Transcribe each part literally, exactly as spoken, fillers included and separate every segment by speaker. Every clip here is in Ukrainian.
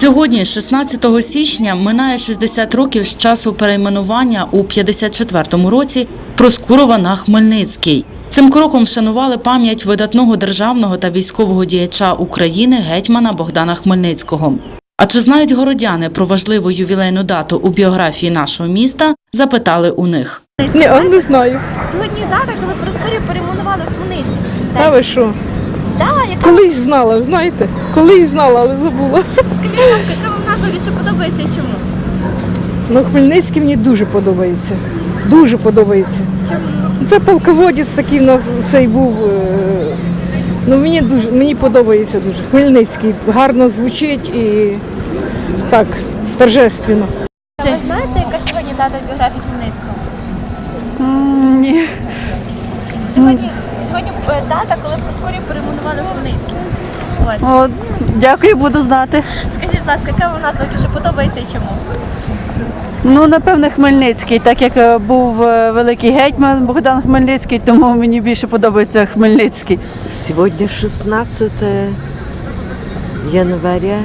Speaker 1: Сьогодні, шістнадцятого січня, минає шістдесят років з часу перейменування у п'ятдесят четвертому році Проскурова на Хмельницький. Цим кроком вшанували пам'ять видатного державного та військового діяча України гетьмана Богдана Хмельницького. А чи знають городяни про важливу ювілейну дату у біографії нашого міста, запитали у них.
Speaker 2: Ні, не знаю.
Speaker 3: Сьогодні дата, коли Проскурів перейменували Хмельницький.
Speaker 2: Та ви що?
Speaker 3: Да, яка...
Speaker 2: Колись знала, знаєте? Колись знала, але забула.
Speaker 3: Скажіть, будь ласка, яка вам назва більше подобається і чому?
Speaker 2: Ну, Хмельницький мені дуже подобається. Дуже подобається.
Speaker 3: Чому?
Speaker 2: Це полководець такий в нас цей був. е, Ну, мені дуже, мені подобається дуже. Хмельницький гарно звучить і так, торжественно.
Speaker 3: А ви знаєте, яка сьогодні дата в біографії Хмельницького?
Speaker 4: Ні.
Speaker 3: Сьогодні, сьогодні е, дата, коли Проскурів перейменували Хмельницький. От.
Speaker 4: О, дякую, буду знати.
Speaker 3: Скажіть, будь ласка, яка вам назва більше подобається і чому?
Speaker 4: Ну, напевне, Хмельницький, так як е, був е, великий гетьман Богдан Хмельницький, тому мені більше подобається Хмельницький.
Speaker 5: Сегодня шестнадцатое января.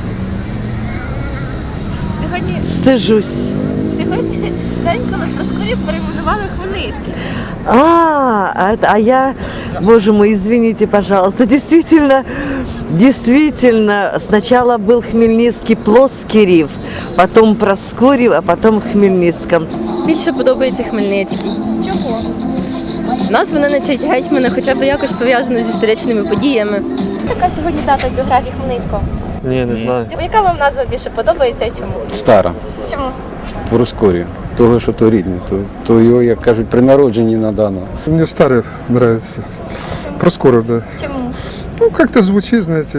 Speaker 3: Сьогодні,
Speaker 5: Стыжусь.
Speaker 3: сьогодні день, коли Проскурів перейменували Хмельницький.
Speaker 5: А, а, это- а я, боже мой, извините, пожалуйста, действительно, действительно, сначала был Хмельницкий Плоскирев, потом Проскурев, а потом Хмельницком.
Speaker 6: Більше подобається Хмельницький.
Speaker 3: Чому?
Speaker 6: Назва не на честь гетьмана, хоча б якось пов'язано з історичними подіями.
Speaker 3: Яка сьогодні дата в біографії Хмельницького?
Speaker 7: Ні, не знаю.
Speaker 3: Яка вам назва більше подобається і чому?
Speaker 8: Стара,
Speaker 3: Чому?
Speaker 8: Проскурів. Того, що то рідне, то, то його, як кажуть, при народженні надано.
Speaker 9: Мне старый нравится. Проскуров, да.
Speaker 3: Чому?
Speaker 9: Ну, как-то звучит, знаете,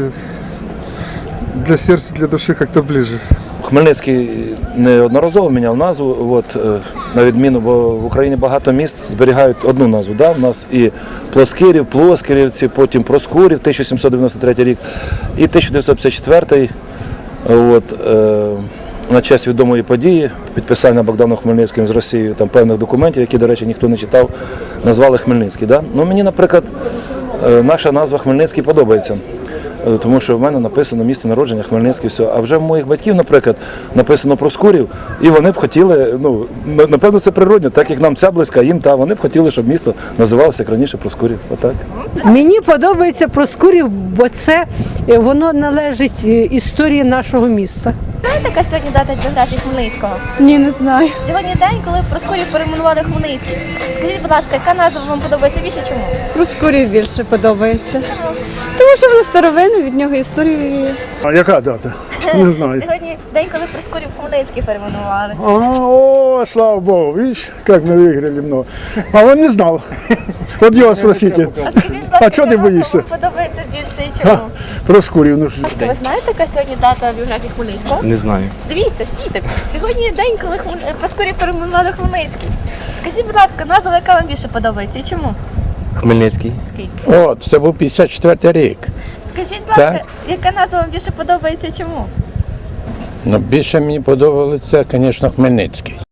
Speaker 9: для сердца, для души как-то ближе.
Speaker 10: Хмельницький неодноразово міняв назву, от, е, на відміну, бо в Україні багато міст зберігають одну назву. Да? У нас і Плоскирів, Плоскирівці, потім Проскурів, тисяча сімсот дев'яносто третій рік, і тисяча дев'ятсот п'ятдесят четвертий, от, е, на честь відомої події, підписання Богданом Хмельницьким з Росією там, певних документів, які, до речі, ніхто не читав, назвали Хмельницький. Да? Ну, мені, наприклад, е, наша назва Хмельницький подобається. Тому що в мене написано місце народження Хмельницький, все. А вже в моїх батьків, наприклад, написано Проскурів, і вони б хотіли, ну, напевно, це природно, так як нам ця близька, їм та, вони б хотіли, щоб місто називалося як раніше Проскурів. Отак.
Speaker 11: Мені подобається Проскурів, бо це е, воно належить е, історії нашого міста.
Speaker 3: Знаєте, яка сьогодні дата в біографії Хмельницького?
Speaker 11: Ні, не знаю.
Speaker 3: Сьогодні день, коли Проскурів перейменували Хмельницький. Скажіть, будь ласка, яка назва вам подобається більше, чому?
Speaker 11: Проскурів більше подобається. Тому що воно старовинне, від нього історії.
Speaker 9: А яка дата? Не знаю.
Speaker 3: Сьогодні день, коли Проскурів Хмельницький перейменували.
Speaker 9: А, о, слава Богу, видишь, как мы выиграли много. А он не знал. Вот его спросите.
Speaker 3: А скажіть, будь ласка,
Speaker 9: А чого ти
Speaker 3: яка назва
Speaker 9: боїшся?
Speaker 3: вам подобається більше і чому?
Speaker 9: Проскурів, ну
Speaker 3: Ви знаєте, яка сьогодні дата в біографії Хмельницького?
Speaker 7: Не знаю.
Speaker 3: Дивіться, стійте. Сьогодні день, коли Хмель... Проскурів перейменували Хмельницький. Скажіть, будь ласка, назва, яка вам більше подобається і чому?
Speaker 7: Хмельницький.
Speaker 9: От, це був п'ятдесят четвертий рік.
Speaker 3: Скажіть, будь ласка, яка назва вам більше подобається і чому?
Speaker 9: Ну, більше мені подобається, звісно, Хмельницький.